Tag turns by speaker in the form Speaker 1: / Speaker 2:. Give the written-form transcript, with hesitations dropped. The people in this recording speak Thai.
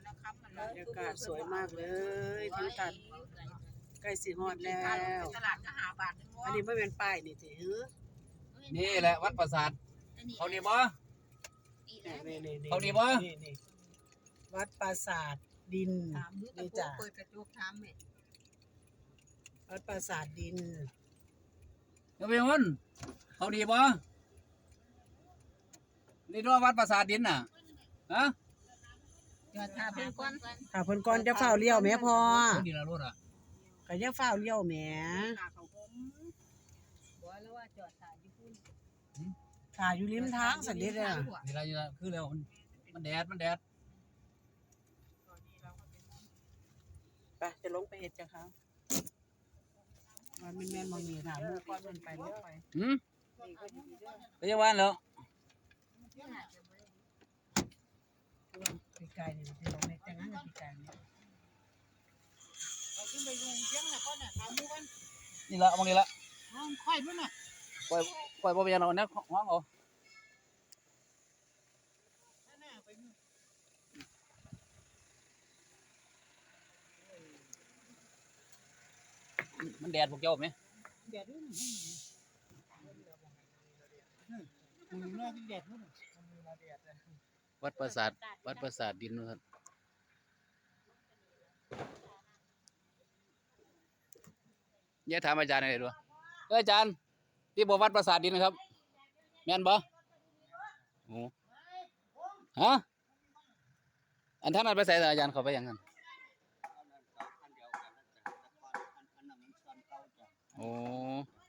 Speaker 1: บรรยากาศสวยมากเลยทั้งตัดใกล้สิฮอดแล้ว
Speaker 2: ตลาดก็หาบาท
Speaker 1: อันนี้ไม่เป็นป้ายนี่สิฮือ
Speaker 3: นี่แหละวัดปราสาทเขาดีบ่
Speaker 1: นี่
Speaker 3: เขาดีบ่
Speaker 1: นี่วัดปราสาทดินนี่จ้ะ
Speaker 2: เปิดกระจกถามแม่
Speaker 1: วัดปราสาทดิน
Speaker 3: เดี๋ยวไปมันเขาดีบ่นี่ด้วยวัดปราสาทดินน่ะฮะ
Speaker 2: จอดถามเพิ่นก่อน
Speaker 1: ถ้าเพิ่นก่อนจะเฝ้าเลี้ยวแม่พ่อ
Speaker 3: คนดีละรถอ่ะ
Speaker 1: ก็จะเฝ้าเลี้ยวแหม
Speaker 2: ขาเขาผมบอกแล้วว่าจอดถ่ายอยู่พุ่น
Speaker 1: ถ่ายอยู่ริมทางสันนิดอ่ะ
Speaker 3: นี่ละนี่ละคือแล้วมันแดด
Speaker 1: ไปจะลงไปเฮ็ดจ้ะครับมันแม่นบ่มีถามมือก่อนมันไปเรื่อยไป
Speaker 3: หืมไปยังวันแล้ว
Speaker 1: ปีกายนี่ที่ลงในแต่งงานกับปีกายนี่
Speaker 2: เอาขึ้นไปลุงเชียงน่ะก่อนน่ะถามหมู่กัน
Speaker 3: นี่ละมองนี่ละ
Speaker 2: น้องค่อยพุ่นน่ะ
Speaker 3: ปล่อยบ่ไปยังเอาเนี่ยห้องเอามันแดดพวกเจ้าไหม
Speaker 2: เดี๋ยวดูมึงนอกแดดพุ่น
Speaker 3: วัดปราสาทดินนะครับเนี่ยถามอาจารย์อะไรดูอาจารย์ที่บอกวัดปราสาทดินนะครับแม่นบ่โอ้ฮะอันท่านนั้นไปใส่อาจารย์เขาไปยังกันโอ้